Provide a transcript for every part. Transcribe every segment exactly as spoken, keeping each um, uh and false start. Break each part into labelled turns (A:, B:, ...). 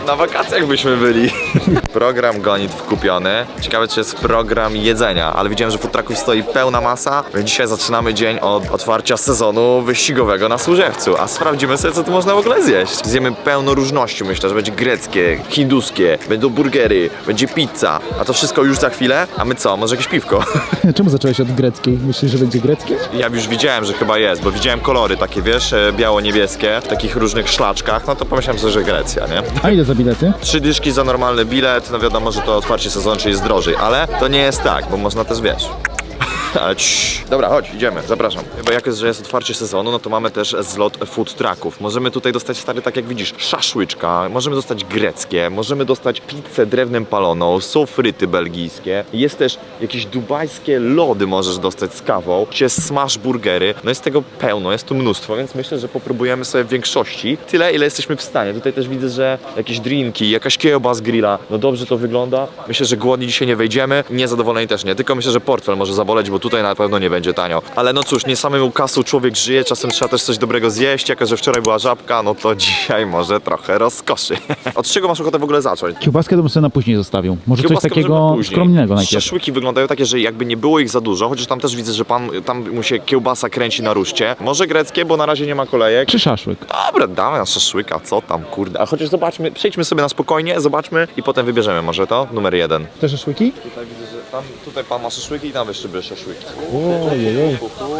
A: Na wakacjach byśmy byli. Program gonitw kupiony. Ciekawe, czy jest program jedzenia, ale widziałem, że food trucków stoi pełna masa. Więc dzisiaj zaczynamy dzień od otwarcia sezonu wyścigowego na Służewcu, a sprawdzimy sobie, co tu można w ogóle zjeść. Zjemy pełno różności, myślę, że będzie greckie, hinduskie, będą burgery, będzie pizza, a to wszystko już za chwilę. A my co? Może jakieś piwko?
B: Czemu zacząłeś od greckiej? Myślisz, że będzie greckie?
A: Ja już widziałem, że chyba jest, bo widziałem kolory takie, wiesz, biało-niebieskie, w takich różnych szlaczkach, no to pomyślałem sobie, że Grecja, nie?
B: A ile za bilety?
A: Trzy dyszki za normalny bilet, no wiadomo, że to otwarcie sezonu, czyli jest drożej, ale to nie jest tak, bo można też, wiesz... Ale cii. Dobra, chodź, idziemy, zapraszam. Bo jak jest, że jest otwarcie sezonu, no to mamy też zlot food trucków. Możemy tutaj dostać, stary, tak jak widzisz, szaszłyczka, możemy dostać greckie, możemy dostać pizzę drewnem paloną, są fryty belgijskie, jest też jakieś dubajskie lody możesz dostać z kawą, jest smash burgery, no jest tego pełno, jest tu mnóstwo, więc myślę, że popróbujemy sobie w większości tyle, ile jesteśmy w stanie. Tutaj też widzę, że jakieś drinki, jakaś kiełba z grilla, no dobrze to wygląda. Myślę, że głodni dzisiaj nie wejdziemy, niezadowoleni też nie, tylko myślę, że portfel może zaboleć, bo tutaj na pewno nie będzie tanio. Ale no cóż, nie samemu kasą człowiek żyje, czasem trzeba też coś dobrego zjeść, jako że wczoraj była żabka, no to dzisiaj może trochę rozkoszy. Od czego masz ochotę w ogóle zacząć?
B: Kiełbaskę to bym sobie na później zostawił. Może
A: Kiełbaskę
B: coś takiego
A: możemy później.
B: skromnego najpierw.
A: Szaszłyki wyglądają takie, że jakby nie było ich za dużo, chociaż tam też widzę, że pan, tam mu się kiełbasa kręci na ruszcie. Może greckie, bo na razie nie ma kolejek.
B: Czy szaszłyk?
A: Dobra, damy na szaszłyka, co tam, kurde. A chociaż zobaczmy, przejdźmy sobie na spokojnie, zobaczmy i potem wybierzemy może to, numer jeden.
B: Te szaszłyki?
A: Tutaj widzę, że tam, tutaj pan ma szaszłyki i tam jeszcze by szaszłyki.
B: Ojej,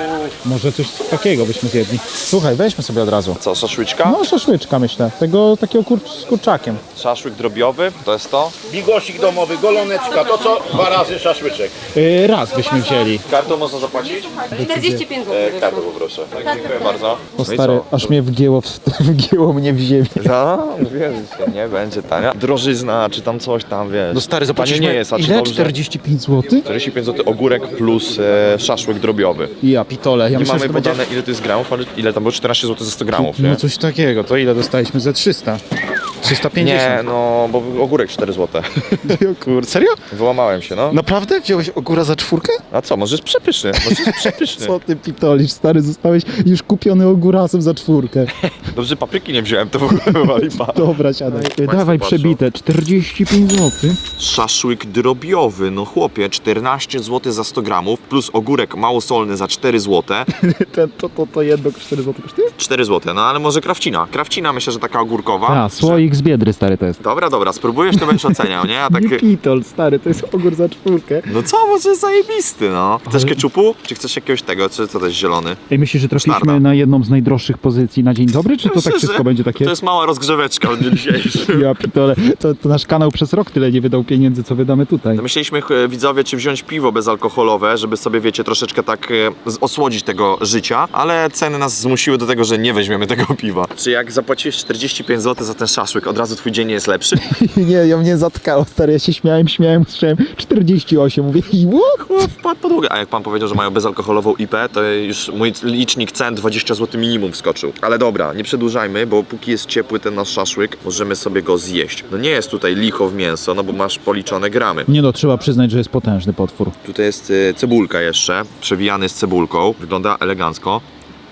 B: może coś takiego byśmy zjedli. Słuchaj, weźmy sobie od razu.
A: Co, szaszłyczka?
B: No szaszłyczka myślę, tego takiego kur z kurczakiem.
A: Szaszłyk drobiowy, to jest to.
C: Bigosik domowy, goloneczka, to co? Dwa razy szaszłyczek.
B: Yy, raz byśmy wzięli.
A: Kartą można zapłacić?
D: czterdzieści pięć
A: E,
D: złotych.
A: kartą poproszę. Tak, dziękuję bardzo.
B: O
A: No i
B: stary,
A: co?
B: aż mnie wgięło, w, wgięło mnie w ziemię.
A: No, wiesz, nie będzie tania. Drożyzna, czy tam coś tam, wiesz.
B: No stary,
A: Tanie
B: zapłaciliśmy
A: nie jest, a czy
B: ile?
A: dobrze?
B: czterdzieści pięć złotych?
A: czterdzieści pięć złotych ogórek plus e, szaszłyk drobiowy.
B: Ja pitole, ja
A: Nie
B: myślę,
A: mamy
B: że to będzie...
A: podane ile to jest gramów, ale ile tam było? czternaście złotych za sto gramów, nie?
B: No coś takiego, to ile dostaliśmy? Ze trzysta? trzysta
A: Nie,
B: pięćdziesiąt.
A: no, bo ogórek cztery złote.
B: O kur... Serio?
A: Wyłamałem się, no.
B: Naprawdę? Wziąłeś ogóra za czwórkę?
A: A co, może jest przepyszny, może jest przepyszny.
B: Co ty pitolisz, stary, zostałeś już kupiony ogórasem za czwórkę.
A: Dobrze, papryki nie wziąłem, to w ogóle była lipa.
B: Dobra, siadaj.
A: Państwo
B: Dawaj
A: patrzą.
B: przebite, czterdzieści pięć złotych.
A: Szaszłyk drobiowy, no chłopie, czternaście złotych za sto gramów, plus ogórek małosolny za cztery złote.
B: Ten, to, to, to jedno cztery złote kosztuje?
A: cztery złote, no ale może krawcina. Krawcina myślę, że taka ogórkowa.
B: A, słoik z Biedry, stary, to jest.
A: Dobra, dobra, spróbujesz, to będziesz oceniał, nie? A tak...
B: Nie pitol, stary, to jest ogór za czwórkę.
A: No co, może jest zajebisty, no. Chcesz keczupu? Czy chcesz jakiegoś tego, czy co to jest zielony?
B: Ej, myślisz, że trafiliśmy
A: Sztarda.
B: na jedną z najdroższych pozycji na dzień dobry, czy to
A: Myślę,
B: tak wszystko
A: że
B: będzie takie?
A: To jest mała rozgrzeweczka od dnia dzisiejszego.
B: Ja pitole, to, to nasz kanał przez rok tyle nie wydał pieniędzy, co wydamy tutaj.
A: Myśleliśmy, e, widzowie, czy wziąć piwo bezalkoholowe, żeby sobie, wiecie, troszeczkę tak e, z- osłodzić tego życia, ale ceny nas zmusiły do tego, że nie weźmiemy tego piwa. Czy jak zapłaciłeś czterdzieści pięć złotych za ten szaszłyk, od razu twój dzień nie jest lepszy?
B: Nie, ja mnie zatkało, stary, ja się śmiałem, śmiałem, słyszałem czterdzieści osiem, mówię i what?
A: Chłop wpadł pod łódkę. A jak pan powiedział, że mają bezalkoholową I P, to już mój licznik cen dwadzieścia złotych minimum wskoczył. Ale dobra, nie przedłużajmy, bo póki jest ciepły ten nasz szaszłyk, możemy sobie go zjeść. No nie jest tutaj licho w mięso, no bo masz policzone gramy.
B: Nie no, trzeba przyznać, że jest potężny potwór.
A: Tutaj jest y, cebulka jeszcze, przewijany z cebulką. Wygląda elegancko.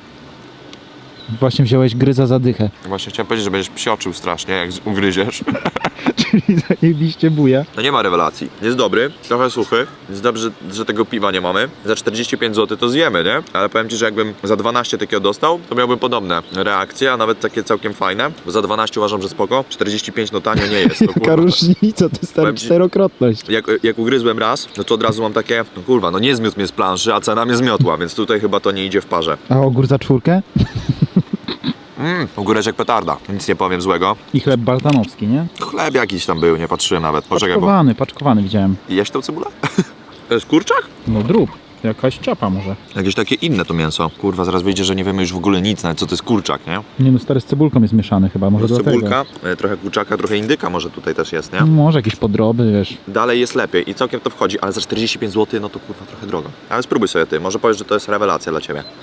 B: Właśnie wziąłeś gryza za dychę,
A: Właśnie chciałem powiedzieć, że będziesz psioczył strasznie, jak z- ugryziesz.
B: czyli zajebiście buja.
A: No nie ma rewelacji. Jest dobry, trochę suchy. Jest dobrze, że tego piwa nie mamy. Za czterdzieści pięć złotych to zjemy, nie? Ale powiem ci, że jakbym za dwanaście takiego dostał, to miałbym podobne reakcje, a nawet takie całkiem fajne. Bo za dwanaście uważam, że spoko. czterdzieści pięć no tanio nie jest. No,
B: Taka
A: kurwa.
B: różnica, to jest stary
A: Powiem ci-
B: czterokrotność.
A: Jak, jak ugryzłem raz, no to od razu mam takie, no kurwa, no nie zmiótł mnie z planszy, a cena mnie zmiotła, więc tutaj chyba to nie idzie w parze.
B: A ogór za czwórkę?
A: Mmm, ogóreczek petarda, nic nie powiem złego.
B: I chleb baltanowski, nie?
A: Chleb jakiś tam był, nie patrzyłem nawet. Poczekaj, bo...
B: Paczkowany, paczkowany widziałem.
A: Jeść tą cebulę? To jest kurczak?
B: No drób, jakaś ciapa może.
A: Jakieś takie inne to mięso. Kurwa, zaraz wyjdzie, że nie wiemy już w ogóle nic, nawet co to jest kurczak, nie?
B: Nie no, stary z cebulką jest mieszany chyba, może
A: No,
B: dlatego.
A: cebulka, e, trochę kurczaka, trochę indyka może tutaj też jest, nie?
B: Może jakieś podroby, wiesz.
A: Dalej jest lepiej i całkiem to wchodzi, ale za czterdzieści pięć złotych, no to kurwa trochę drogo. Ale spróbuj sobie ty, może powiesz, że to jest rewelacja dla ciebie.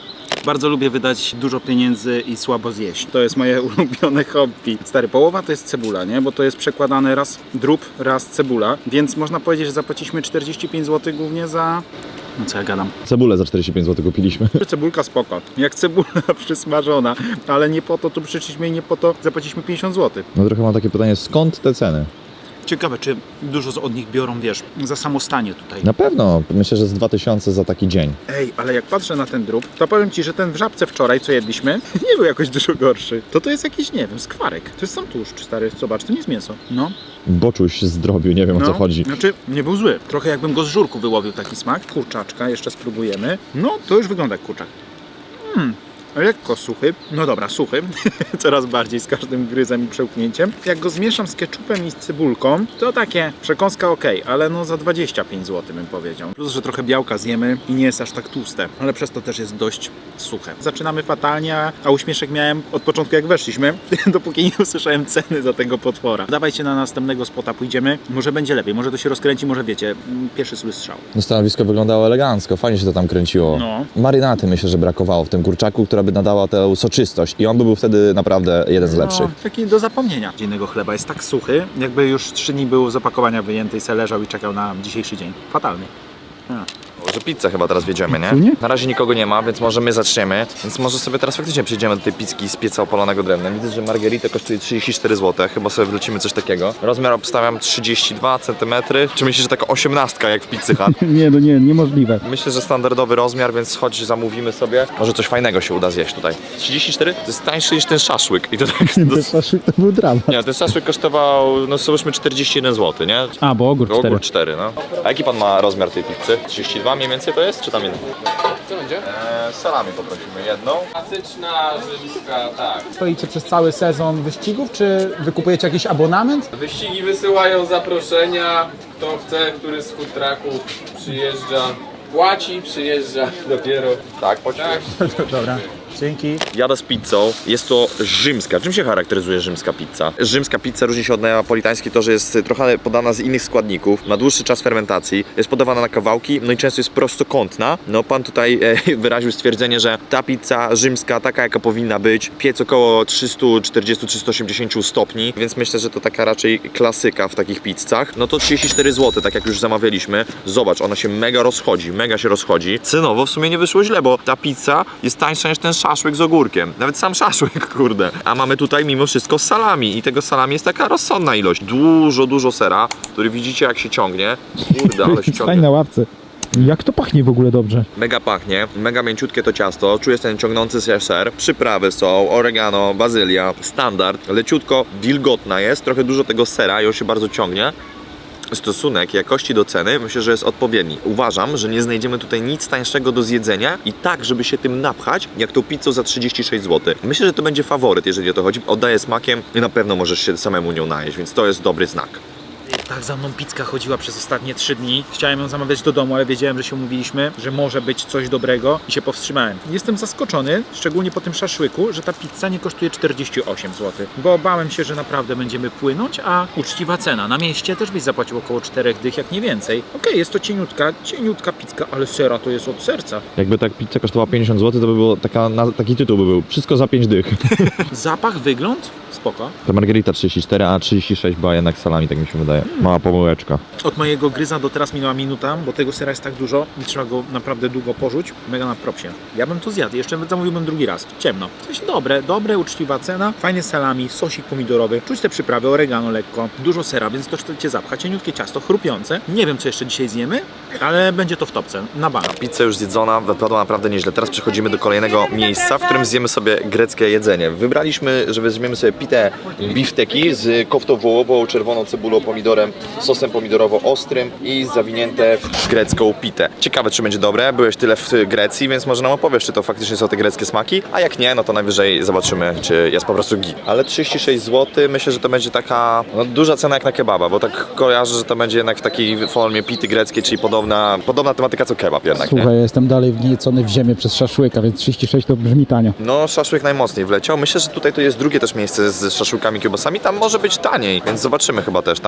D: Bardzo lubię wydać dużo pieniędzy i słabo zjeść. To jest moje ulubione hobby. Stary, połowa to jest cebula, nie? Bo to jest przekładane raz drób, raz cebula. Więc można powiedzieć, że zapłaciliśmy czterdzieści pięć złotych głównie za... No co ja gadam?
B: Cebulę za czterdzieści pięć złotych kupiliśmy.
D: Cebulka spoko. Jak cebula przysmażona. Ale nie po to tu przyszliśmy i nie po to zapłaciliśmy pięćdziesiąt złotych.
B: No trochę mam takie pytanie, skąd te ceny?
D: Ciekawe, czy dużo od nich biorą, wiesz, za samostanie tutaj.
B: Na pewno, myślę, że z dwa tysiące za taki dzień.
D: Ej, ale jak patrzę na ten drób, to powiem Ci, że ten w Żabce wczoraj, co jedliśmy, nie był jakoś dużo gorszy. To to jest jakiś, nie wiem, skwarek. To jest sam tłuszcz, stary, zobacz, to nie jest mięso. No.
B: Boczuś zdrobił, nie wiem o co chodzi.
D: Znaczy, nie był zły. Trochę jakbym go z żurku wyłowił taki smak. Kurczaczka, jeszcze spróbujemy. No, to już wygląda jak kurczak. Hmm. Lekko suchy, no dobra, suchy, coraz bardziej z każdym gryzem i przełknięciem. Jak go zmieszam z keczupem i z cebulką, to takie przekąska ok, ale no za dwadzieścia pięć złotych bym powiedział. Plus, że trochę białka zjemy i nie jest aż tak tłuste, ale przez to też jest dość suche. Zaczynamy fatalnie, a uśmieszek miałem od początku jak weszliśmy, dopóki nie usłyszałem ceny za tego potwora. Dawajcie na następnego spota, pójdziemy, może będzie lepiej, może to się rozkręci, może wiecie, pierwszy zły strzał.
B: No stanowisko wyglądało elegancko, fajnie się to tam kręciło.
D: No.
B: Marynaty myślę, że brakowało w tym kurczaku, która by nadała tę soczystość i on by był wtedy naprawdę jeden z lepszych.
D: No, taki do zapomnienia. Dziennego chleba jest tak suchy, jakby już trzy dni był z opakowania wyjęty i se leżał i czekał na dzisiejszy dzień. Fatalny. A.
A: Może pizzę chyba teraz wiedziemy, nie? Na razie nikogo nie ma, więc może my zaczniemy. Więc może sobie teraz faktycznie przejdziemy do tej pizzki z pieca opalonego drewnem. Widzę, że margherita kosztuje trzydzieści cztery złote. Chyba sobie wlecimy coś takiego. Rozmiar obstawiam trzydzieści dwa centymetry. Czy myślisz, że taka osiemnastka jak w Pizzy Hut?
B: Nie, no nie, niemożliwe.
A: Myślę, że standardowy rozmiar, więc chodź zamówimy sobie. Może coś fajnego się uda zjeść tutaj. trzydzieści cztery? To jest tańszy niż ten szaszłyk. I to tak...
B: Ten szaszłyk to był dramat.
A: Nie, ten szaszłyk kosztował, no załóżmy czterdzieści jeden złoty, nie?
B: A, bo ogór cztery.
A: Ogór cztery, no. A jaki pan ma rozmiar tej pizzy? trzydzieści dwa mniej więcej to jest, czy tam inny?
E: Co będzie?
A: Eee, salami poprosimy jedną.
E: Klasyczna, rzymska, tak.
F: Stoicie przez cały sezon wyścigów, czy wykupujecie jakiś abonament?
E: Wyścigi wysyłają zaproszenia. Kto chce, który z food trucków przyjeżdża, płaci, przyjeżdża dopiero.
A: Tak, płaciłem.
E: Tak.
F: Dobra, dzięki.
A: Jadę z pizzą. Jest to rzymska. Czym się charakteryzuje rzymska pizza? Rzymska pizza różni się od neapolitańskiej to, że jest trochę podana z innych składników, ma dłuższy czas fermentacji, jest podawana na kawałki, no i często jest prostokątna. No pan tutaj e, wyraził stwierdzenie, że ta pizza rzymska, taka jaka powinna być, piec około trzysta czterdzieści do trzystu osiemdziesięciu stopni, więc myślę, że to taka raczej klasyka w takich pizzach. No to trzydzieści cztery złote, tak jak już zamawialiśmy. Zobacz, ona się mega rozchodzi, mega się rozchodzi. Cenowo w sumie nie wyszło źle, bo ta pizza jest tańsza niż ten szaszłyk z ogórkiem. Nawet sam szaszłyk, kurde. A mamy tutaj mimo wszystko salami i tego salami jest taka rozsądna ilość. Dużo, dużo sera, który widzicie jak się ciągnie. Kurde, ale się
B: Stań
A: ciągnie.
B: na ławce. Jak to pachnie w ogóle dobrze.
A: Mega pachnie, mega mięciutkie to ciasto, czuję ten ciągnący się ser, przyprawy są, oregano, bazylia, standard, leciutko wilgotna jest, trochę dużo tego sera i on się bardzo ciągnie. Stosunek jakości do ceny myślę, że jest odpowiedni. Uważam, że nie znajdziemy tutaj nic tańszego do zjedzenia i tak, żeby się tym napchać, jak tą pizzą za trzydzieści sześć złotych. Myślę, że to będzie faworyt, jeżeli o to chodzi. Oddaje smakiem i na pewno możesz się samemu nią najeść, więc to jest dobry znak.
D: Tak za mną pizzka chodziła przez ostatnie trzy dni. Chciałem ją zamawiać do domu, ale wiedziałem, że się umówiliśmy, że może być coś dobrego i się powstrzymałem. Jestem zaskoczony, szczególnie po tym szaszłyku, że ta pizza nie kosztuje czterdzieści osiem złotych, bo bałem się, że naprawdę będziemy płynąć, a uczciwa cena. Na mieście też byś zapłacił około czterech dych, jak nie więcej. Okej, okay, jest to cieniutka, cieniutka pizka, ale sera to jest od serca.
B: Jakby tak pizza kosztowała pięćdziesiąt złotych, to by było taka, na, taki tytuł by był. Wszystko za pięć dych.
D: Zapach, wygląd? Spoko.
B: Ta margherita trzydzieści cztery, a trzydzieści sześć była jednak salami, tak mi się wydaje. Mała pomyłeczka.
D: Od mojego gryza do teraz minęła minuta, bo tego sera jest tak dużo i trzeba go naprawdę długo porzuć. Mega na propsie. Ja bym to zjadł, jeszcze zamówiłbym drugi raz. Ciemno. Coś dobre, dobre, uczciwa cena, fajne salami, sosik pomidorowy, czuć te przyprawy, oregano lekko, dużo sera, więc to cię zapcha, cieniutkie ciasto, chrupiące. Nie wiem, co jeszcze dzisiaj zjemy, ale będzie to w topce, na bank.
A: Pizza już zjedzona, wypadła naprawdę nieźle. Teraz przechodzimy do kolejnego miejsca, w którym zjemy sobie greckie jedzenie. Wybraliśmy, że weźmiemy sobie pitę bifteki z koftą wołową, czerwoną cebulą, pomidorem, sosem pomidorowo-ostrym i zawinięte w grecką pitę. Ciekawe, czy będzie dobre. Byłeś tyle w Grecji, więc może nam opowiesz, czy to faktycznie są te greckie smaki, a jak nie, no to najwyżej zobaczymy, czy jest po prostu git. Ale trzydzieści sześć złotych, myślę, że to będzie taka no, duża cena jak na kebaba, bo tak kojarzę, że to będzie jednak w takiej formie pity greckiej, czyli podobna, podobna tematyka co kebab jednak, nie?
F: Słuchaj, ja jestem dalej wgniecony w ziemię przez szaszłyka, więc trzydzieści sześć to brzmi tanio.
A: No, szaszłyk najmocniej wleciał. Myślę, że tutaj to jest drugie też miejsce z szaszłykami, kiełbasami. Tam może być taniej, więc zobaczymy chyba też tam, bo tam chyba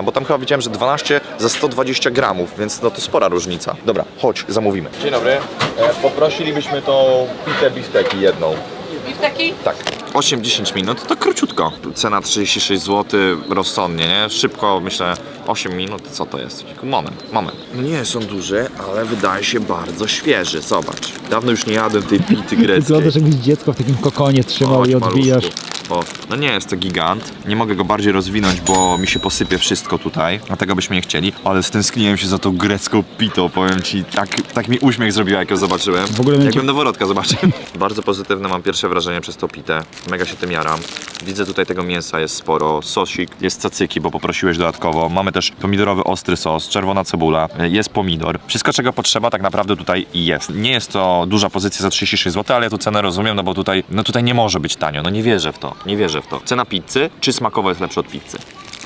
A: widziałem, że dwanaście za sto dwadzieścia gramów, więc no to spora różnica. Dobra, chodź, zamówimy. Dzień dobry. E, poprosilibyśmy tą pitę bifteki jedną.
G: Bifteki?
A: Tak. osiem dziesięć minut, to króciutko. Cena trzydzieści sześć złotych, rozsądnie, nie? Szybko, myślę, osiem minut, co to jest? Moment, moment. No nie są duże, ale wydaje się bardzo świeży, zobacz. Dawno już nie jadłem tej pity greckiej.
F: Wyglądasz jakbyś dziecko w takim kokonie trzymał
A: Chodź,
F: i odbijasz.
A: maluszku. O, no nie jest to gigant, nie mogę go bardziej rozwinąć, bo mi się posypie wszystko tutaj, a tego byśmy nie chcieli, ale stęskniłem się za tą grecką pitą, powiem ci, tak, tak mi uśmiech zrobiła, jak ją zobaczyłem,
F: W ogóle będzie-
A: jakbym noworodka zobaczył. Bardzo pozytywne mam pierwsze wrażenie przez tą pitę, mega się tym jaram. Widzę tutaj tego mięsa jest sporo, sosik, jest cacyki, bo poprosiłeś dodatkowo, mamy też pomidorowy ostry sos, czerwona cebula, jest pomidor, wszystko czego potrzeba tak naprawdę tutaj jest. Nie jest to duża pozycja za trzydzieści sześć złotych, ale ja tu cenę rozumiem, no bo tutaj, no tutaj nie może być tanio, no nie wierzę w to. Nie wierzę w to. Cena pizzy, czy smakowo jest lepsza od pizzy?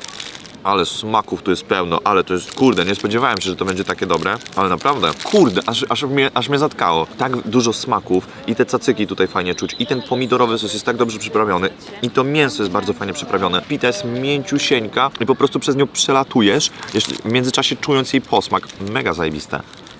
A: Ale smaków tu jest pełno, ale to jest, kurde, nie spodziewałem się, że to będzie takie dobre, ale naprawdę, kurde, aż, aż, mnie, aż mnie zatkało. Tak dużo smaków i te cacyki tutaj fajnie czuć i ten pomidorowy sos jest tak dobrze przyprawiony i to mięso jest bardzo fajnie przyprawione. Pita jest mięciusieńka i po prostu przez nią przelatujesz, jeszcze w międzyczasie czując jej posmak. Mega zajebiste.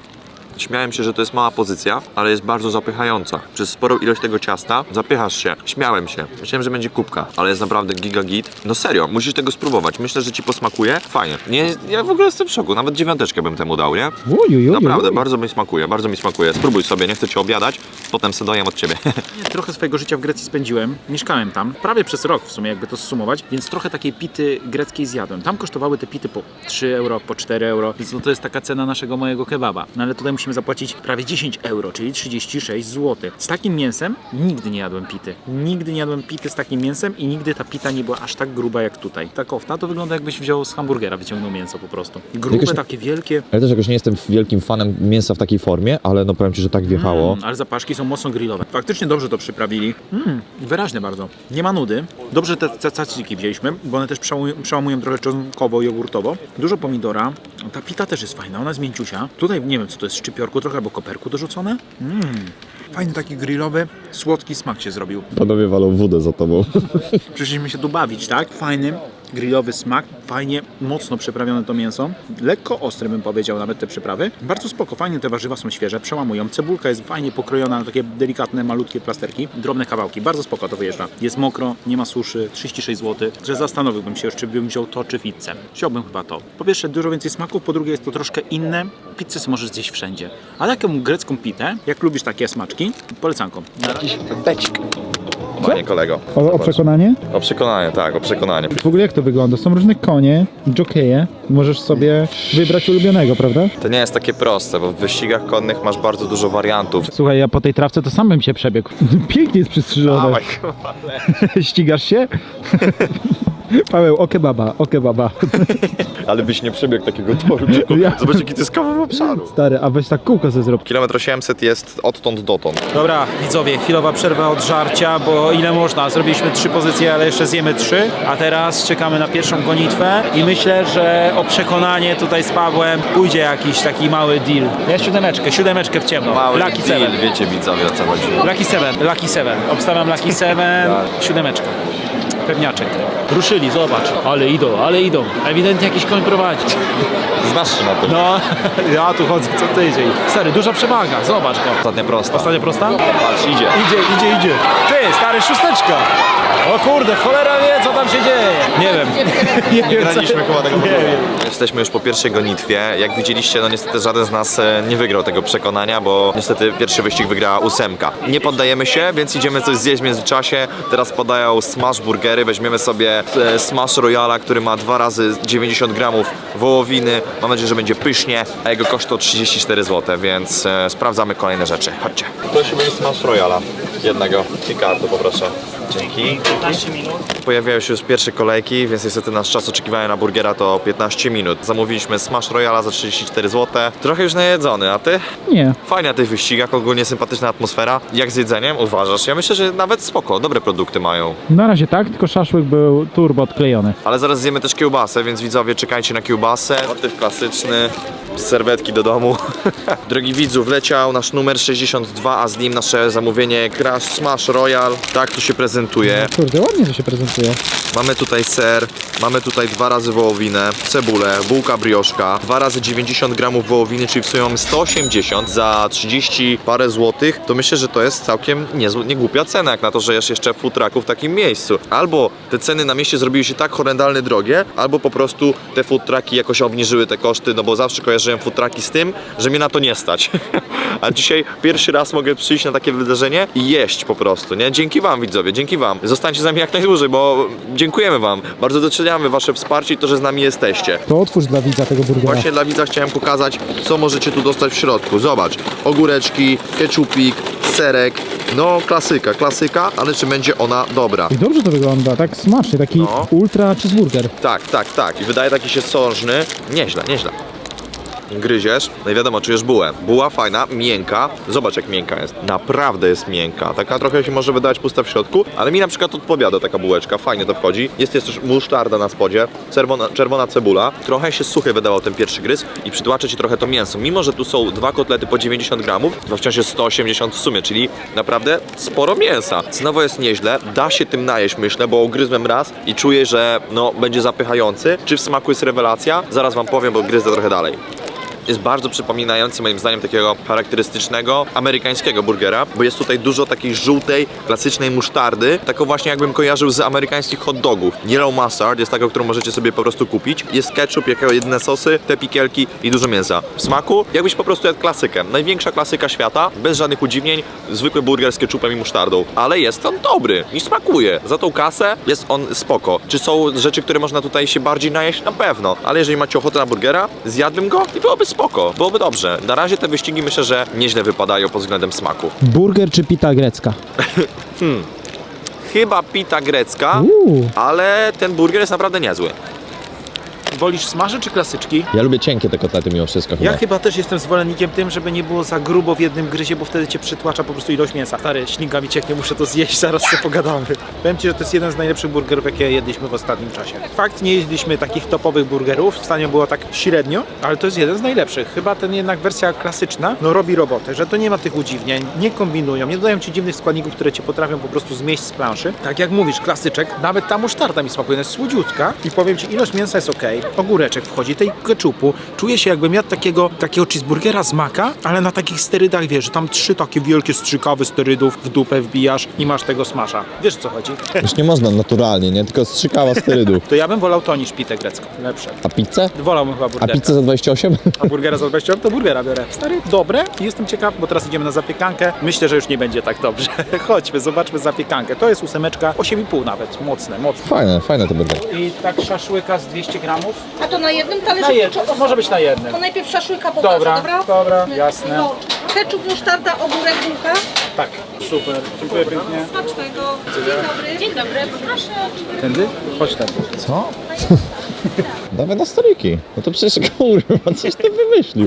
A: Śmiałem się, że to jest mała pozycja, ale jest bardzo zapychająca. Przez sporą ilość tego ciasta zapychasz się. Śmiałem się. Myślałem, że będzie kubka, ale jest naprawdę giga git. No serio, musisz tego spróbować. Myślę, że ci posmakuje. Fajnie. Nie, ja w ogóle jestem w szoku. Nawet dziewiąteczkę bym temu dał, nie?
F: Uj, uj, uj,
A: Naprawdę,
F: uj.
A: bardzo mi smakuje, bardzo mi smakuje. Spróbuj sobie, nie chcę cię obiadać, potem se dojem od ciebie.
D: Trochę swojego życia w Grecji spędziłem, mieszkałem tam, prawie przez rok w sumie, jakby to zsumować, więc trochę takiej pity greckiej zjadłem. Tam kosztowały te pity po trzy euro, po cztery euro, więc no to jest taka cena naszego mojego kebaba. No ale tutaj musimy zapłacić prawie dziesięć euro, czyli trzydzieści sześć złotych. Z takim mięsem nigdy nie jadłem pity. Nigdy nie jadłem pity z takim mięsem i nigdy ta pita nie była aż tak gruba jak tutaj. Ta kofta to wygląda, jakbyś wziął z hamburgera, wyciągnął mięso po prostu. Grube,
B: Jakoś-
D: takie wielkie.
B: Ja też jakoś nie jestem wielkim fanem mięsa w takiej formie, ale no powiem ci, że tak wjechało.
D: Mm, ale zapaszki są mocno grillowe. Faktycznie dobrze to przyprawili. Mm, wyraźne bardzo. Nie ma nudy. Dobrze te te cacyki wzięliśmy, bo one też przełamują, przełamują trochę czosnkowo-jogurtowo. Dużo pomidora. Ta pita też jest fajna, ona jest mięciusia. Tutaj nie wiem, co to jest, szczypiorku trochę albo koperku dorzucone. Mm. Fajny taki grillowy, słodki smak się zrobił.
B: Panowie walą wódę za tobą.
D: Przyszliśmy się tu bawić, tak? Fajny, grillowy smak, fajnie, mocno przyprawione to mięso. Lekko ostre bym powiedział nawet te przyprawy. Bardzo spoko, fajnie te warzywa są świeże, przełamują. Cebulka jest fajnie pokrojona na takie delikatne, malutkie plasterki. Drobne kawałki, bardzo spoko to wyjeżdża. Jest mokro, nie ma suszy, trzydzieści sześć złotych. Że zastanowiłbym się już, czy bym wziął to, czy pizzę. Wziąłbym chyba to. Po pierwsze dużo więcej smaków, po drugie jest to troszkę inne. Pizzę sobie możesz zjeść wszędzie. A taką grecką pitę, jak lubisz takie smaczki, polecanką.
A: Jakiś becik. Panie kolego.
F: O, o
A: Zobacz.
F: przekonanie?
A: O przekonanie, tak, o przekonanie.
F: W ogóle jak to wygląda? Są różne konie, jokeje. Możesz sobie wybrać ulubionego, prawda?
A: To nie jest takie proste, bo w wyścigach konnych masz bardzo dużo wariantów.
F: Słuchaj, ja po tej trawce to sam bym się przebiegł. Pięknie jest przystrzyżone.
A: Dawaj,
F: Ścigasz się? Paweł, o kebaba, o kebaba.
A: ale byś nie przebiegł takiego toru. Tylko
F: Ja-
A: zobacz, jaki to jest kawał obszaru.
F: Stary, a weź tak kółko sobie zrób.
A: Kilometr osiemset jest odtąd dotąd.
D: Dobra, widzowie, chwilowa przerwa od żarcia, bo ile można? Zrobiliśmy trzy pozycje, ale jeszcze zjemy trzy, a teraz czekamy na pierwszą gonitwę i myślę, że o przekonanie tutaj z Pawłem pójdzie jakiś taki mały deal. Ja siódemeczkę, siódemeczkę w ciemno.
A: Mały
D: Lucky
A: deal,
D: Seven.
A: wiecie widzowie, o co chodzi.
D: Lucky Seven, Lucky Seven. Obstawiam Lucky Seven, siódemeczka. Pewniaczek. Ruszyli, zobacz. Ale idą, ale idą. Ewidentnie jakiś koń prowadzi.
A: Znasz się na tym.
D: No, ja tu chodzę co tydzień. Stary, duża przewaga, zobacz go.
A: Ostatnia prosta.
D: Ostatnia prosta?
A: Patrz, idzie.
D: Idzie, idzie, idzie. Ty, stary, szósteczka. O kurde, cholera wie, co tam się dzieje. Nie wiem. Nie,
A: Nie
D: wiem, co-
A: graliśmy chyba tego
D: Nie wiem.
A: Jesteśmy już po pierwszej gonitwie. Jak widzieliście, no niestety żaden z nas e, nie wygrał tego przekonania, bo niestety pierwszy wyścig wygrała ósemka. Nie poddajemy się, więc idziemy coś zjeść w międzyczasie. Teraz podają smash burgery. Weźmiemy sobie e, smash royala, który ma dwa razy dziewięćdziesiąt gramów wołowiny. Mam nadzieję, że będzie pysznie, a jego koszt to trzydzieści cztery złote, więc e, sprawdzamy kolejne rzeczy. Chodźcie. Prosimy smash royala. Jednego. I kartę poproszę. Dzięki. Pojawiają się już pierwsze kolejki, więc niestety nasz czas oczekiwania na burgera to piętnaście minut. Zamówiliśmy smash royala za trzydzieści cztery złote. Trochę już najedzony, a ty?
F: Nie.
A: Fajnie na tych wyścigach, ogólnie sympatyczna atmosfera. Jak z jedzeniem uważasz? Ja myślę, że nawet spoko, dobre produkty mają.
F: Na razie tak, tylko szaszłyk był turbo odklejony.
A: Ale zaraz zjemy też kiełbasę, więc widzowie czekajcie na kiełbasę. Motyw klasyczny, serwetki do domu. Drogi widzu, wleciał nasz numer sześćdziesiąt dwa, a z nim nasze zamówienie Burgera Smash Royal. Tak to się prezentuje.
F: Kurde, ładnie to się prezentuje.
A: Mamy tutaj ser, mamy tutaj dwa razy wołowinę, cebulę, bułka brioszka, dwa razy dziewięćdziesiąt gramów wołowiny, czyli w sumie mamy sto osiemdziesiąt za trzydzieści parę złotych. To myślę, że to jest całkiem niezły, niegłupia cena, jak na to, że jest jeszcze food trucku w takim miejscu. Albo te ceny na mieście zrobiły się tak horrendalnie drogie, albo po prostu te food trucki jakoś obniżyły te koszty, no bo zawsze kojarzyłem food trucki z tym, że mnie na to nie stać. A dzisiaj pierwszy raz mogę przyjść na takie wydarzenie i jeść po prostu, nie? Dzięki wam, widzowie, dzięki wam. Zostańcie z nami jak najdłużej, bo dziękujemy wam. Bardzo doceniamy wasze wsparcie i to, że z nami jesteście.
F: To otwórz dla widza tego burgera.
A: Właśnie dla widza chciałem pokazać, co możecie tu dostać w środku. Zobacz, ogóreczki, keczupik, serek. No, klasyka, klasyka, ale czy będzie ona dobra?
F: I dobrze to wygląda, tak smacznie, taki
A: No.
F: ultra cheeseburger.
A: Tak, tak, tak. I wydaje taki się sążny. Nieźle, nieźle. Gryziesz, no i wiadomo, czujesz bułę. Buła fajna, miękka. Zobacz, jak miękka jest. Naprawdę jest miękka. Taka trochę się może wydawać pusta w środku, ale mi na przykład odpowiada taka bułeczka. Fajnie to wchodzi. Jest też musztarda na spodzie, czerwona, czerwona cebula. Trochę się suchy wydawał ten pierwszy gryz i przytłacza ci trochę to mięso. Mimo, że tu są dwa kotlety po dziewięćdziesiąt gramów, to wciąż jest sto osiemdziesiąt w sumie, czyli naprawdę sporo mięsa. Cenowo jest nieźle. Da się tym najeść, myślę, bo ugryzłem raz i czuję, że no, będzie zapychający. Czy w smaku jest rewelacja? Zaraz wam powiem, bo gryzę trochę dalej. Jest bardzo przypominający moim zdaniem takiego charakterystycznego amerykańskiego burgera, bo jest tutaj dużo takiej żółtej, klasycznej musztardy, taką właśnie jakbym kojarzył z amerykańskich hot dogów. Yellow mustard jest taką, którą możecie sobie po prostu kupić. Jest ketchup, jako jedyne sosy, te pikielki i dużo mięsa. W smaku jakbyś po prostu jadł klasykę. Największa klasyka świata, bez żadnych udziwnień, zwykły burger z ketchupem i musztardą. Ale jest on dobry i smakuje. Za tą kasę jest on spoko. Czy są rzeczy, które można tutaj się bardziej najeść? Na pewno. Ale jeżeli macie ochotę na burgera, zjadłbym go i byłoby spoko, byłoby dobrze. Na razie te wyścigi myślę, że nieźle wypadają pod względem smaku.
F: Burger czy pita grecka?
A: Chyba pita grecka,
F: Uuu.
A: ale ten burger jest naprawdę niezły.
D: Wolisz smaże czy klasyczki?
B: Ja lubię cienkie te kotlety mimo wszystko chyba.
D: Ja chyba też jestem zwolennikiem tym, żeby nie było za grubo w jednym gryzie, bo wtedy cię przytłacza po prostu ilość mięsa. Stary, śliga mi cieknie, muszę to zjeść, zaraz sobie pogadamy. Powiem ci, że to jest jeden z najlepszych burgerów, jakie jedliśmy w ostatnim czasie. Fakt, nie jedliśmy takich topowych burgerów, w stanie było tak średnio, ale to jest jeden z najlepszych. Chyba ten jednak wersja klasyczna, no robi robotę, że to nie ma tych udziwnień, nie kombinują, nie dodają ci dziwnych składników, które cię potrafią po prostu zmieść z planszy. Tak jak mówisz, klasyczek, nawet ta musztarda mi smakuje, jest słodziutka i powiem ci, ilość mięsa jest ok, ogóreczek wchodzi, tej keczupu, czuję się jakbym jadł takiego, takiego cheeseburgera z maka, ale na takich sterydach, wiesz, że tam trzy takie wielkie strzykawy sterydów w dupę wbijasz i masz tego smasza. Wiesz, co chodzi?
B: Już nie można naturalnie, nie? Tylko strzykała sterydów.
D: To ja bym wolał to niż pitę grecką. Lepsze.
B: A pizzę?
D: Wolałbym chyba
B: A
D: burgerka.
B: pizzę za dwadzieścia osiem?
D: A burgera za dwadzieścia, to burgera biorę. Stary, dobre. Jestem ciekaw, bo teraz idziemy na zapiekankę. Myślę, że już nie będzie tak dobrze. Chodźmy, zobaczmy zapiekankę. To jest ósemeczka, osiem i pół nawet. Mocne, mocne.
B: Fajne, fajne to burgery.
D: I tak szaszłyka z dwieście gramów.
G: A to na jednym talerzu?
D: Na jednym,
G: czy-
D: może być na jednym.
G: To najpierw szaszłyka pokażę,
D: Dobra,
G: dobra?
D: dobra, jasne.
G: No, ketchup, musztarda, ogórek, bułka.
D: Tak, super. Dziękuję pięknie.
G: Smacznego. Dzień dobry. Dzień dobry, proszę.
D: Tędy? Chodź tędy.
B: Co? Dawaj na stoliki. No to przecież kurwa, coś ty wymyślił.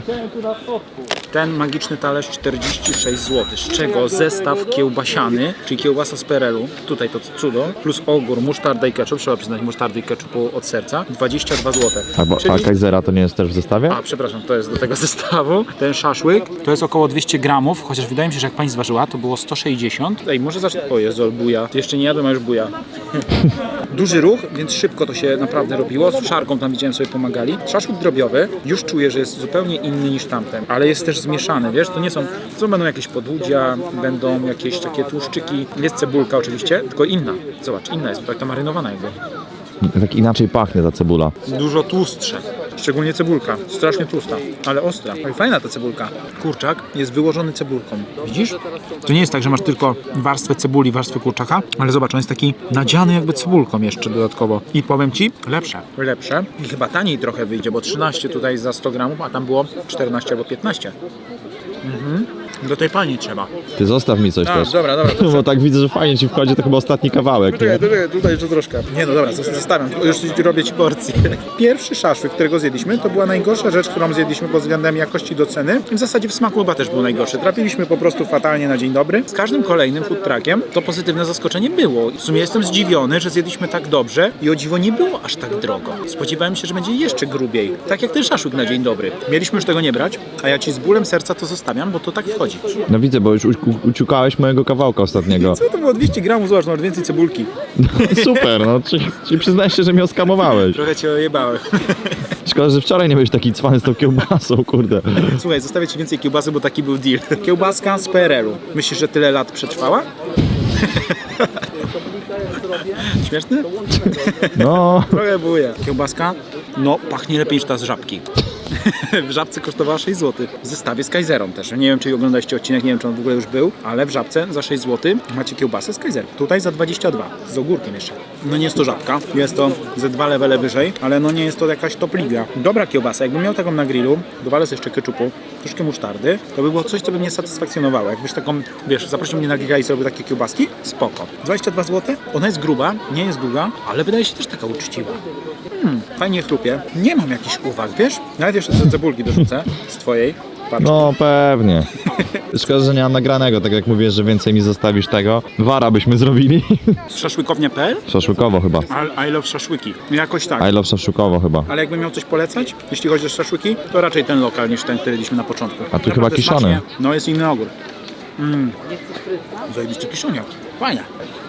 D: Ten magiczny talerz czterdzieści sześć złotych, z czego zestaw kiełbasiany, czyli kiełbasa z perelu, tutaj to cudo, plus ogór, musztarda i ketchup, trzeba przyznać musztardy i ketchupu od serca, dwadzieścia dwa złote.
B: A, a Kaisera to nie jest też w zestawie?
D: A, przepraszam, to jest do tego zestawu. Ten szaszłyk to jest około dwieście gramów, chociaż wydaje mi się, że jak pani zważyła, to było sto sześćdziesiąt. Ej, może zacznę... O Jezu, buja. Jeszcze nie jadłem, a już buja. Duży ruch, więc szybko to się naprawdę robiło. Z szarką tam widziałem, sobie pomagali. Szaszłyk drobiowy, już czuję, że jest zupełnie inny niż tamten, ale jest też zmieszany, wiesz, to nie są, to będą jakieś podłudzia, będą jakieś takie tłuszczyki. Jest cebulka oczywiście, tylko inna. Zobacz, inna jest, tak to marynowana jakby.
B: Tak inaczej pachnie ta cebula.
D: Dużo tłustsze, szczególnie cebulka, strasznie tłusta, ale ostra. Ale fajna ta cebulka. Kurczak jest wyłożony cebulką, widzisz? To nie jest tak, że masz tylko warstwę cebuli, warstwę kurczaka, ale zobacz, on jest taki nadziany jakby cebulką jeszcze dodatkowo. I powiem ci, lepsze, lepsze i chyba taniej trochę wyjdzie, bo trzynaście tutaj za sto gramów, a tam było czternaście albo piętnaście. Mhm. Do tej pani trzeba.
B: Ty zostaw mi coś
D: A,
B: też.
D: dobra, dobra, to
B: Bo tak widzę, że fajnie ci wchodzi, to chyba ostatni kawałek.
D: Czekaj, czekaj, tutaj jeszcze troszkę. Nie no dobra, zostawiam, już robię ci porcję. Pierwszy szaszłyk, którego zjedliśmy, to była najgorsza rzecz, którą zjedliśmy pod względem jakości do ceny. W zasadzie w smaku chyba też był najgorszy. Trafiliśmy po prostu fatalnie na dzień dobry. Z każdym kolejnym food truckiem to pozytywne zaskoczenie było. W sumie jestem zdziwiony, że zjedliśmy tak dobrze i o dziwo nie było aż tak drogo. Spodziewałem się, że będzie jeszcze grubiej. Tak jak ten szaszłyk na dzień dobry. Mieliśmy już tego nie brać, a ja ci z bólem serca to zostawiam, bo to tak wchodzi. wychodzi.
B: No widzę, bo już u- u- uciukałeś mojego kawałka ostatniego.
D: Co to było dwieście gramów, zobacz, masz więcej cebulki.
B: Super, no, czyli, czyli przyznajesz się, że mnie oskamowałeś.
D: Trochę cię ojebałem.
B: Szkoda, że wczoraj nie byłeś taki cwany z tą kiełbasą, kurde.
D: Słuchaj, zostawię ci więcej kiełbasy, bo taki był deal. Kiełbaska z P R L u. Myślisz, że tyle lat przetrwała? Śmieszny?
B: No,
D: Trochę buje. Kiełbaska, no pachnie lepiej niż ta z Żabki. W Żabce kosztowała sześć złotych. W zestawie z Kaiserą też. Nie wiem, czy oglądaliście odcinek, nie wiem, czy on w ogóle już był, ale w Żabce za sześć złotych macie kiełbasę z Kaiserą. Tutaj za dwadzieścia dwa, z ogórkiem jeszcze. No nie jest to Żabka, jest to ze dwa levele wyżej, ale no nie jest to jakaś top liga. Dobra kiełbasa, jakbym miał taką na grillu, dowalę sobie jeszcze keczupu, troszkę musztardy, to by było coś, co by mnie satysfakcjonowało. Jakbyś taką, wiesz, zaprosił mnie na giga i sobie takie kiełbaski, spoko. dwadzieścia dwa złote, ona jest gruba, nie jest długa, ale wydaje się też taka uczciwa. Hmm, fajnie chrupie. Nie mam jakichś uwag, wiesz? Nawet jeszcze te cebulki dorzucę z twojej. Patrz.
B: no pewnie. Szkoda, że nie mam nagranego, tak jak mówisz, że więcej mi zostawisz tego. Wara byśmy zrobili.
D: Szaszłykownia kropka pe el?
B: Szaszłykowo chyba.
D: I, I love szaszłyki. Jakoś tak.
B: I love szaszłykowo chyba.
D: Ale jakbym miał coś polecać, jeśli chodzi o szaszłyki, to raczej ten lokal niż ten, który jedliśmy na początku.
B: A tu
D: Naprawdę
B: chyba kiszony.
D: smacznie. No jest inny ogór. Mm. Zajebisty kiszoniak. Fajna.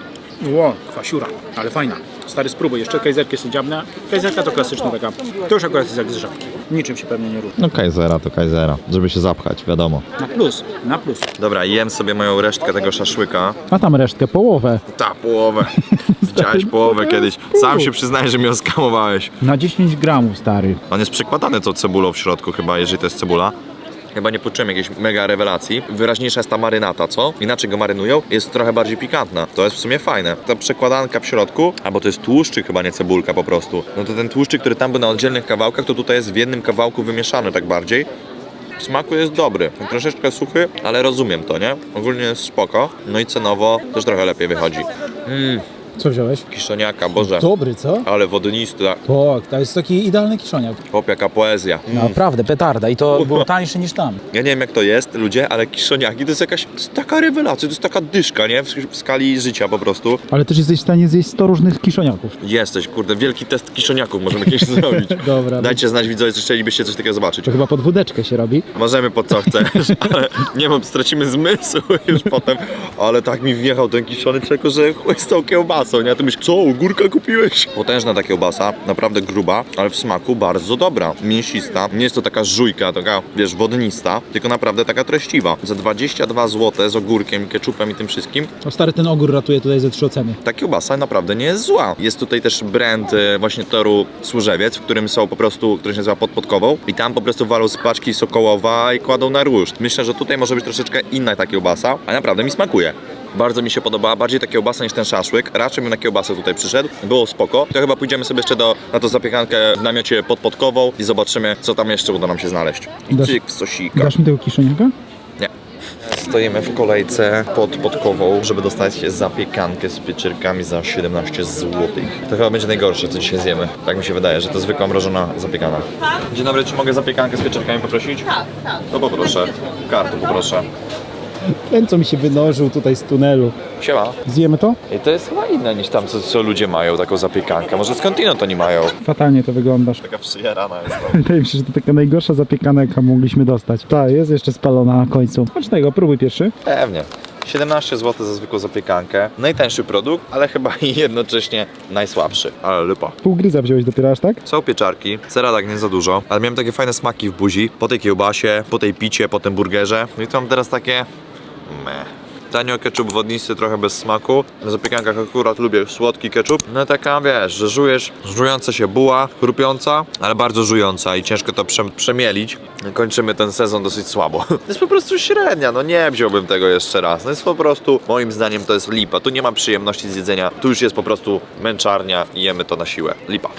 D: Ło, kwasiura, ale fajna. Stary, spróbuj, jeszcze kajzerkę sobie dziabnę. Kajzerka to klasyczna taka. To już akurat jest jak z Żabki. Niczym się pewnie nie różni.
B: No Kaisera to Kaisera, żeby się zapchać, wiadomo.
D: Na plus, na plus.
A: Dobra, jem sobie moją resztkę tego szaszłyka.
F: A tam resztkę, połowę.
A: Ta, połowę. Widziałeś połowę kiedyś. Sam się przyznaję, że mnie oskamowałeś.
F: Na dziesięć gramów, stary.
A: On jest przykładany tą cebulą w środku chyba, jeżeli to jest cebula. Chyba nie poczułem jakiejś mega rewelacji. Wyraźniejsza jest ta marynata, co? Inaczej go marynują, jest trochę bardziej pikantna. To jest w sumie fajne. Ta przekładanka w środku, albo to jest tłuszczyk chyba, nie cebulka po prostu. No to ten tłuszczyk, który tam był na oddzielnych kawałkach, to tutaj jest w jednym kawałku wymieszany tak bardziej. W smaku jest dobry. Troszeczkę suchy, ale rozumiem to, nie? Ogólnie jest spoko. No i cenowo też trochę lepiej wychodzi. Mmm,
F: Co wziąłeś?
A: kiszoniaka, Boże.
F: Dobry, co?
A: Ale wodnista.
F: Tak, to jest taki idealny kiszoniak.
A: Chłop, jaka poezja.
F: Naprawdę, petarda. I to było tańsze niż tam.
A: Ja nie wiem jak to jest, ludzie, ale kiszoniaki to jest jakaś, to jest taka rewelacja, to jest taka dyszka, nie? W, w skali życia po prostu.
F: Ale też jesteś w stanie zjeść sto różnych kiszoniaków.
A: Jesteś, kurde, wielki test kiszoniaków możemy kiedyś zrobić.
F: Dobra.
A: Dajcie znać widzowie, czy chcielibyście coś takiego zobaczyć.
F: To chyba pod wódeczkę się robi.
A: Możemy pod co chcesz, ale nie wiem, stracimy zmysł już potem. Ale tak mi wjechał ten kiszony czeko, że chuj z tą kiełbasą, nie? A ty myślisz, co, ogórka kupiłeś? Potężna ta kiełbasa, naprawdę gruba, ale w smaku bardzo dobra. Mięsista, nie jest to taka żujka, taka, wiesz, wodnista, tylko naprawdę taka treściwa. Za dwadzieścia dwa złote z ogórkiem, keczupem i tym wszystkim,
F: O stary, ten ogór ratuje tutaj ze trzy oceny.
A: ta kiełbasa naprawdę nie jest zła. Jest tutaj też brand e, właśnie toru Służewiec, w którym są po prostu, który się nazywa Podpodkową i tam po prostu walą z paczki sokołowa i kładą na ruszt. Myślę, że tutaj może być troszeczkę inna ta kiełbasa, a naprawdę mi smakuje. Bardzo mi się podobała, bardziej ta kiełbasa niż ten szaszłyk. Raczej bym na kiełbasę tutaj przyszedł, było spoko. To chyba pójdziemy sobie jeszcze do, na tą zapiekankę w namiocie podpodkową i zobaczymy, co tam jeszcze uda nam się znaleźć. I
F: Dasz-
A: cyk w sosika.
F: Dasz mi tego kiszoniaka?
A: Nie. Stoimy w kolejce pod Podkową, żeby dostać zapiekankę z pieczyrkami za siedemnaście złotych. To chyba będzie najgorsze, co dzisiaj zjemy. Tak mi się wydaje, że to zwykła mrożona zapiekana. Dzień dobry, czy mogę zapiekankę z pieczyrkami poprosić? Tak, tak. To poproszę. Kartę poproszę.
F: Ten, co mi się wynożył tutaj z tunelu.
A: Siema.
F: Zjemy to?
A: I to jest chyba inne niż tam, co, co ludzie mają, taką zapiekankę. Może skądinąd oni mają?
F: Fatalnie to wyglądasz.
A: Taka przyjarana jest to.
F: Wydaje mi się, że to taka najgorsza zapiekana, jaka mogliśmy dostać. Tak, jest jeszcze spalona na końcu. Smacznego, próbuj pierwszy.
A: Pewnie. siedemnaście złotych za zwykłą zapiekankę. Najtańszy produkt, ale chyba i jednocześnie najsłabszy. Ale lipa.
F: Pół gryza wziąłeś dopiero aż tak?
A: Są pieczarki, sera tak nie za dużo, ale miałem takie fajne smaki w buzi. Po tej kiełbasie, po tej picie, po tym burgerze. No i to mam teraz takie... meh. Tanio ketchup wodnisty, trochę bez smaku. Na zapiekankach akurat lubię słodki ketchup. No taka, wiesz, że żujesz, żująca się buła, chrupiąca, ale bardzo żująca i ciężko to prze przemielić. Kończymy ten sezon dosyć słabo. To jest po prostu średnia, no nie wziąłbym tego jeszcze raz. No jest po prostu, moim zdaniem to jest lipa. Tu nie ma przyjemności z jedzenia, tu już jest po prostu męczarnia i jemy to na siłę. Lipa.